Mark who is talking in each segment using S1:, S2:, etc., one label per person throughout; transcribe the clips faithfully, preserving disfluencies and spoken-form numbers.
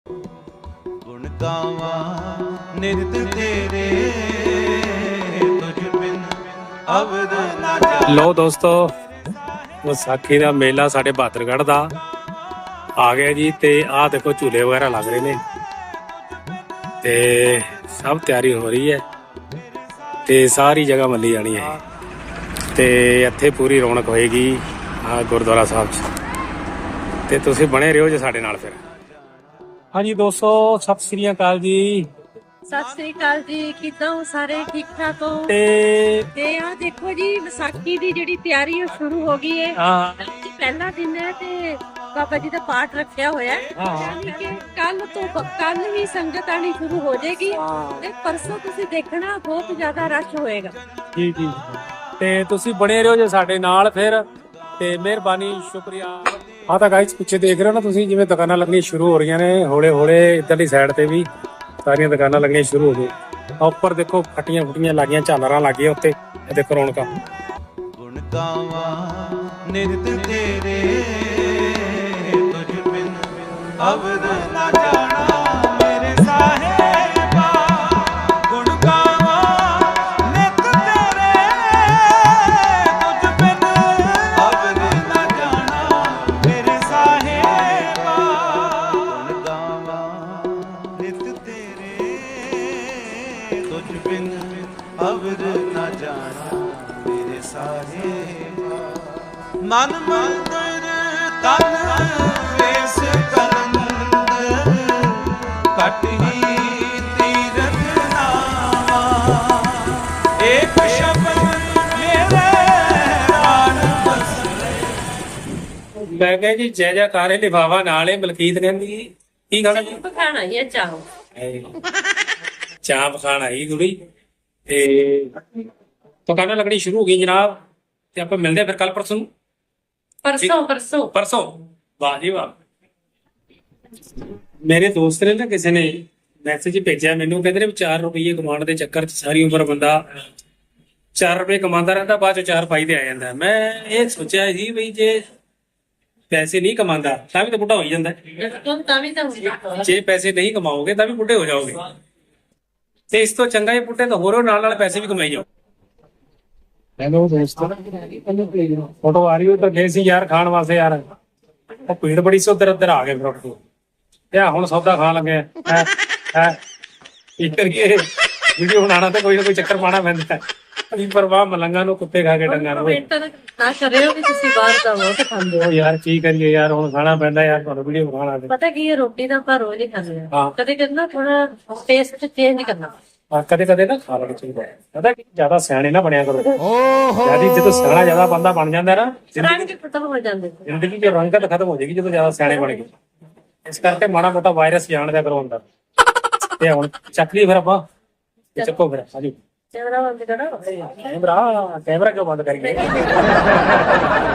S1: ਗੁਣ ਗਾਵਾਂ ਨਿਤ ਤੇਰੇ ਤੁਝ ਬਿਨ ਅਵਦ ਨਾ ਜਾਣਾ।
S2: ਲੋ ਦੋਸਤੋ, ਵਿਸਾਖੀ ਦਾ ਮੇਲਾ ਸਾਡੇ ਬਹਾਦਰਗੜ੍ਹ ਦਾ ਆ ਗਿਆ ਜੀ। ਤੇ ਆਹ ਦੇਖੋ ਝੂਲੇ ਵਗੈਰਾ ਲੱਗ ਰਹੇ ਨੇ ਤੇ ਸਭ ਤਿਆਰੀ ਹੋ ਰਹੀ ਹੈ ਤੇ ਸਾਰੀ ਜਗ੍ਹਾ ਮੱਲੀ ਜਾਣੀ ਹੈ ਤੇ ਇੱਥੇ ਪੂਰੀ ਰੌਣਕ ਹੋਏਗੀ ਆ ਗੁਰਦੁਆਰਾ ਸਾਹਿਬ 'ਚ। ਤੇ ਤੁਸੀਂ ਬਣੇ ਰਹੋ ਜੀ ਸਾਡੇ ਨਾਲ। ਫਿਰ ਹਾਂਜੀ ਦੋਸਤੋ, ਸਤਿ ਸ੍ਰੀ ਅਕਾਲ ਜੀ।
S3: ਸਤਿ ਸ੍ਰੀ ਅਕਾਲ ਜੀ, ਕਿੱਦਾਂ ਹੋ ਸਾਰੇ? ਠੀਕ ਠਾਕ ਹੋ?
S2: ਤੇ
S3: ਤੇ ਆ ਦੇਖੋ ਜੀ, ਵਿਸਾਖੀ ਦੀ ਜਿਹੜੀ ਤਿਆਰੀ ਉਹ ਸ਼ੁਰੂ ਹੋ ਗਈ ਹੈ।
S2: ਹਾਂ
S3: ਅੱਜ ਪਹਿਲਾ ਦਿਨ ਹੈ ਤੇ ਬਾਬਾ ਜੀ ਦਾ ਪਾਠ ਰੱਖਿਆ ਹੋਇਆ ਹੈ।
S2: ਹਾਂ।
S3: ਯਾਨੀ ਕਿ ਕੱਲ ਤੋਂ ਕੱਲ ਵੀ ਸੰਗਤ ਆਣੀ ਸ਼ੁਰੂ ਹੋ ਜਾਏਗੀ ਤੇ ਪਰਸੋਂ ਤੁਸੀਂ ਦੇਖਣਾ ਬਹੁਤ ਜ਼ਿਆਦਾ ਰਸ਼ ਹੋਏਗਾ।
S2: ਜੀ ਜੀ, ਤੇ ਤੁਸੀਂ ਬਣੇ ਰਹੋ ਜੀ ਸਾਡੇ ਨਾਲ। ਫਿਰ ਤੇ ਮਿਹਰਬਾਨੀ, ਸ਼ੁਕਰੀਆ। ਹਾਂ ਤਾਂ ਗਾਇਸ, ਪਿੱਛੇ ਦੇਖ ਰਹੇ ਹੋ ਨਾ ਤੁਸੀਂ, ਜਿਵੇਂ ਦੁਕਾਨਾਂ ਲੱਗਣੀਆਂ ਸ਼ੁਰੂ ਹੋ ਰਹੀਆਂ ਨੇ ਹੌਲੇ ਹੌਲੇ। ਇੱਧਰਲੀ ਸਾਈਡ ਤੇ ਵੀ ਸਾਰੀਆਂ ਦੁਕਾਨਾਂ ਲੱਗਣੀਆਂ ਸ਼ੁਰੂ ਹੋ ਗਈਆਂ। ਉੱਪਰ ਦੇਖੋ ਫਟੀਆਂ ਫੁੱਟੀਆਂ ਲੱਗੀਆਂ, ਝਾਲਰਾਂ ਲੱਗੀਆਂ ਉੱਤੇ। ਇਹ ਦੇਖੋ ਰੌਣਕਾਂ।
S1: ਗੁਣ ਗਾਵਾਂ ਨਿਤ ਤੇਰੇ ਤੁਝ ਬਿਨ ਅਵਦ ਨਾ ਜਾਣਾ ਮੇਰੇ ਸਾਹਿਬਾ। ਗੁਣ ਗਾਵਾਂ ਨਿਤ ਤੇਰੇ ਤੁਝ ਬਿਨ ਅਵਦ ਨਾ ਜਾਣਾ ਮੇਰੇ ਸਾਹਿਬਾ। ਗੁਣ ਗਾਵਾਂ ਨਿਤ ਤੇਰੇ ਤੁਝ ਬਿਨ ਅਵਦ ਨਾ ਜਾਣਾ ਮੇਰੇ ਸਾਹਿਬਾ। ਮਨ ਮੰਦਰ ਤਨ ਵੇਸ ਕਲੰਦਰ ਕਟ ਹੀ ਤੀਰਥ ਨਾਵਾ। ਏਕ ਸ਼ਬਦ ਮੇਰੇ ਪ੍ਰਾਨ ਬਸਰੇ।
S2: ਮੈਂ ਕਿਹਾ ਜੀ ਜੈ ਜੈਕਾਰੇ ਲਿਫਾਵਾ ਨਾਲ ਹੀ ਮਲਕੀਤ ਕਹਿੰਦੀ ਕੀ ਖਾਣਾ ਜੀ?
S3: ਪਕਾਣਾ ਹੀ ਚਾਹੋ
S2: ਚਾਹ ਪਕਾਣ ਆਈ ਕੁੜੀ ਤੇ ਦੁਕਾਨਾਂ ਲੱਗਣੀ ਸ਼ੁਰੂ ਹੋ ਗਈ ਜਨਾਬ। ਤੇ ਆਪਾਂ ਮਿਲਦੇ ਆ ਫਿਰ ਕੱਲ ਪਰਸੋਂ ਨੂੰ।
S3: ਪਰਸੋਂ ਪਰਸੋਂ
S2: ਪਰਸੋਂ ਵਾਹ ਜੀ ਵਾਹ। ਮੇਰੇ ਦੋਸਤ ਨੇ ਨਾ ਕਿਸੇ ਨੇ ਮੈਸੇਜ ਭੇਜਿਆ ਮੈਨੂੰ, ਕਹਿੰਦੇ ਨੇ ਚਾਰ ਰੁਪਏ ਕਮਾਉਣ ਦੇ ਚੱਕਰ 'ਚ ਸਾਰੀ ਉਮਰ ਬੰਦਾ ਚਾਰ ਰੁਪਏ ਕਮਾਉਂਦਾ ਰਹਿੰਦਾ, ਬਾਅਦ 'ਚ ਚਾਰ ਫਾਇਦੇ ਆ ਜਾਂਦਾ। ਮੈਂ ਇਹ ਸੋਚਿਆ ਸੀ ਵੀ ਜੇ ਪੈਸੇ ਨਹੀਂ ਕਮਾਉਂਦਾ ਤਾਂ ਵੀ ਤਾਂ ਬੁੱਢਾ ਹੋ ਹੀ ਜਾਂਦਾ।
S3: ਤੁਮ ਤਾਂ ਵੀ ਤਾਂ ਹੁੰਦਾ।
S2: ਜੇ ਪੈਸੇ ਨਹੀਂ ਕਮਾਓਗੇ ਤਾਂ ਵੀ ਬੁੱਢੇ ਹੋ ਜਾਓਗੇ। ਤੇ ਇਸ ਤੋਂ ਚੰਗਾ ਇਹ ਬੁੱਢੇ ਤਾਂ ਹੋਰੋ ਨਾਲ ਨਾਲ ਪੈਸੇ ਵੀ ਕਮਾਈ ਜਾਓ। ਹੈਲੋ ਦੋਸਤੋ, ਫੋਟੋ ਆ ਰਹੀ ਉਧਰ ਗਏ ਸੀ ਯਾਰ ਖਾਣ ਵਾਸਤੇ ਯਾਰ। ਉਹ ਭੀੜ ਬੜੀ ਸੀ, ਉਧਰ ਉਧਰ ਆ ਗਏ ਫਿਰ ਉੱਠ ਕੇ। ਤੇ ਹੁਣ ਸੌਦਾ ਖਾਣ ਲੱਗੇ ਹੈ ਹੈ ਕੀ ਕਰੀਏ? ਵੀਡੀਓ ਬਣਾਉਣਾ ਤੇ ਕੋਈ ਨਾ ਕੋਈ ਚੱਕਰ ਪਾਣਾ ਪੈਂਦਾ। ਅभी ਪਰਵਾਹ ਮਲੰਗਾ ਨੂੰ ਕੁੱਤੇ ਖਾ ਕੇ ਡੰਗਾ ਨੂੰ।
S3: ਨਾ ਕਰਿਓ ਵੀ ਤੁਸੀਂ ਬਾਹਰ ਦਾ ਬਹੁਤ ਖਾਂਦੇ ਹੋ।
S2: ਉਹ ਯਾਰ ਕੀ ਕਰੀਏ ਯਾਰ, ਹੁਣ ਖਾਣਾ ਪੈਂਦਾ ਯਾਰ, ਤੁਹਾਨੂੰ ਵੀਡੀਓ ਖਾਣਾ ਤੇ।
S3: ਪਤਾ ਕੀ ਹੈ, ਰੋਟੀ ਤਾਂ ਆਪਾਂ ਰੋਜ਼ ਹੀ ਖਾਂਦੇ
S2: ਹਾਂ।
S3: ਆ। ਕਦੇ ਕਦੇ ਨਾ ਥੋੜਾ ਟੇਸਟ ਚੇਂਜ ਕਰਨਾ।
S2: ਆ ਕਦੇ ਕਦੇ ਨਾ ਖਾ ਲੈਣਾ ਚਾਹੀਦਾ ਹੈ। ਪਤਾ ਕੀ, ਜ਼ਿਆਦਾ ਸਿਆਣੇ ਨਾ ਬਣਿਆ ਕਰੋ। ਜਿਆਦਾ ਜਦੋਂ ਸਿਆਣਾ ਜ਼ਿਆਦਾ ਬੰਦਾ ਬਣ ਜਾਂਦਾ ਨਾ,
S3: ਰੰਗ ਖਤਮ ਹੋ ਜਾਂਦੇ।
S2: ਜ਼ਿੰਦਗੀ 'ਚ ਰੰਗਤ ਖਤਮ ਹੋ ਜਾਏਗੀ ਜਦੋਂ ਜ਼ਿਆਦਾ ਸਿਆਣੇ ਬਣ ਗਏ। ਇਸ ਕਰਕੇ ਮਾੜਾ ਮੋਟਾ ਵਾਇਰਸ ਜਾਣ ਦਿਆ ਕਰੋ ਅੰਦਰ। ਤੇ ਹੁਣ ਚੱਕ ਲਈ ਫਿਰ ਆਪਾਂ, ਚੱਕੋ ਫਿਰ ਆਜੋ।
S3: ਕੈਮਰਾ ਬੰਦ ਕਰੋ।
S2: ਕੈਮਰਾ ਕੈਮਰਾ ਕਿਉਂ ਬੰਦ ਕਰੀਏ?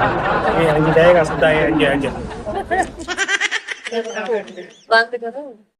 S2: ਇਹ ਇੰਜ ਜਾਏਗਾ ਸਿੱਧਾ, ਇਹ ਇੰਜ ਇੰਜ।
S3: ਬੰਦ ਕਰੋ।